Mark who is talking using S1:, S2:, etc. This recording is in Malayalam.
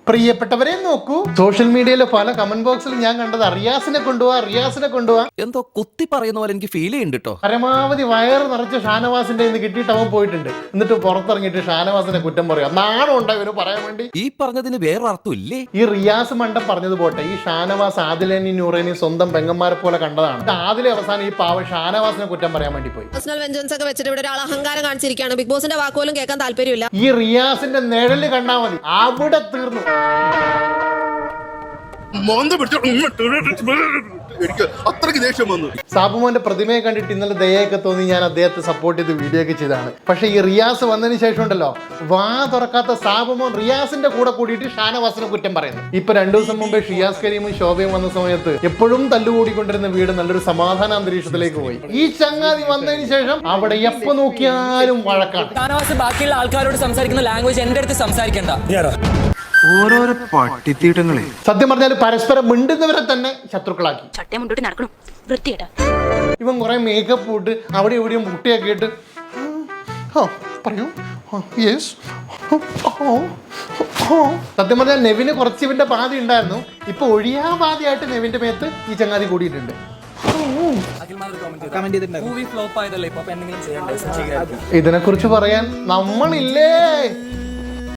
S1: പ്രിയപ്പെട്ടവരെ നോക്കൂ, സോഷ്യൽ മീഡിയയിലെ പല കമന്റ് ബോക്സിൽ ഞാൻ കണ്ടത് റിയാസിനെ കൊണ്ടുപോവാ
S2: എന്തോ കുത്തി പറയുന്ന പോലെ എനിക്ക് ഫീൽ ചെയ്യുന്നുണ്ട് കേട്ടോ.
S1: പരമാവധി വയറ് നിറച്ച് ഷാനവാസിന്റെ ഇന്ന് കിട്ടിയിട്ട് അവൻ പോയിട്ടുണ്ട്. എന്നിട്ട് പുറത്തിറങ്ങിയിട്ട് ഷാനവാസിനെ കുറ്റം പറയാം. നാണം ഉണ്ടോ ഇവന് പറയാൻ വേണ്ടി?
S2: ഈ പറഞ്ഞതിന് വേറെ അർത്ഥം ഇല്ലേ?
S1: ഈ റിയാസ് മണ്ടം പറഞ്ഞത് പോട്ടെ, ഈ ഷാനവാസ് ആദിലേനി നൂറേനി സ്വന്തം പെങ്ങന്മാരെ പോലെ കണ്ടതാണ്. ആദിലെ അവസാനം ഈ പാവ ഷാനവാസിനെ കുറ്റം പറയാൻ വേണ്ടി പോയി.
S3: പേഴ്സണൽ വെഞ്ചൻസ് ഒക്കെ വെച്ചിട്ട് ഇവിടെ ഒരാൾ അഹങ്കാരം കാണിച്ചിരിക്കുകയാണ്. ബിഗ് ബോസിന്റെ വാക്കുപോലും കേൾക്കാൻ താല്പര്യമില്ല.
S1: ഈ റിയാസിന്റെ നിഴല് കണ്ടാൽ മതി, അവിടെ തീർന്നു.
S4: എനിക്ക് അത്രയ്ക്ക് ദേഷ്യം വന്നു.
S1: സാബുമോന്റെ പ്രതിമയെ കണ്ടിട്ട് ഇന്നലെ ദയൊക്കെ തോന്നി ഞാൻ അദ്ദേഹത്തെ സപ്പോർട്ട് ചെയ്ത് വീഡിയോ ഒക്കെ ചെയ്താണ്. പക്ഷെ ഈ റിയാസ് വന്നതിന് ശേഷം ഉണ്ടല്ലോ, വാ തുറക്കാത്ത സാബുമോൻ റിയാസിന്റെ കൂടെ കൂടിയിട്ട് ഷാനവാസിനെ കുറ്റം പറയുന്നു. ഇപ്പൊ 2 ദിവസം മുമ്പേ ഷിയാസ് കരീമും ശോഭയും വന്ന സമയത്ത് എപ്പോഴും തല്ലുകൂടിക്കൊണ്ടിരുന്ന വീട് നല്ലൊരു സമാധാന അന്തരീക്ഷത്തിലേക്ക് പോയി. ഈ ചങ്ങാതി വന്നതിന് ശേഷം അവിടെ എപ്പോ നോക്കിയാലും വഴക്കാണ്.
S5: ഷാനവാസ് ബാക്കിയുള്ള ആൾക്കാരോട് സംസാരിക്കുന്ന ലാംഗ്വേജ് എന്റെ അടുത്ത് സംസാരിക്കണ്ട.
S6: ഓരോരോ പട്ടിത്തീട്ടങ്ങളെ
S1: സത്യം പറഞ്ഞാൽ പരസ്പരം മിണ്ടുന്നവരെ തന്നെ ശത്രുക്കളാക്കി.
S7: ചട്ടയം മുണ്ടോട്ട് നടക്കണം വൃത്തിയേട്ടാ.
S1: ഇവൻ കുറെ മേക്കപ്പ് ഇട്ട് അവിടെ എവിടെയും മുട്ടിയൊക്കെ ഇട്ട് പറയൂ യെസ്. സത്യം പറഞ്ഞാൽ നെവിന് കുറച്ച് ഇവന്റെ പാതി ഉണ്ടായിരുന്നു. ഇപ്പൊ ഒഴിയാ പാതിയായിട്ട് നെവിന്റെ മേത്ത് ഈ ചങ്ങാതി കൂടിയിട്ടുണ്ട്.
S5: മൂവി ഫ്ലോപ്പ് ആയതല്ലേ, ഇപ്പൊ എന്തെങ്കിലും ചെയ്യണ്ടേ?
S1: ഇതിനെ കുറിച്ച് പറയാൻ നമ്മളില്ലേ?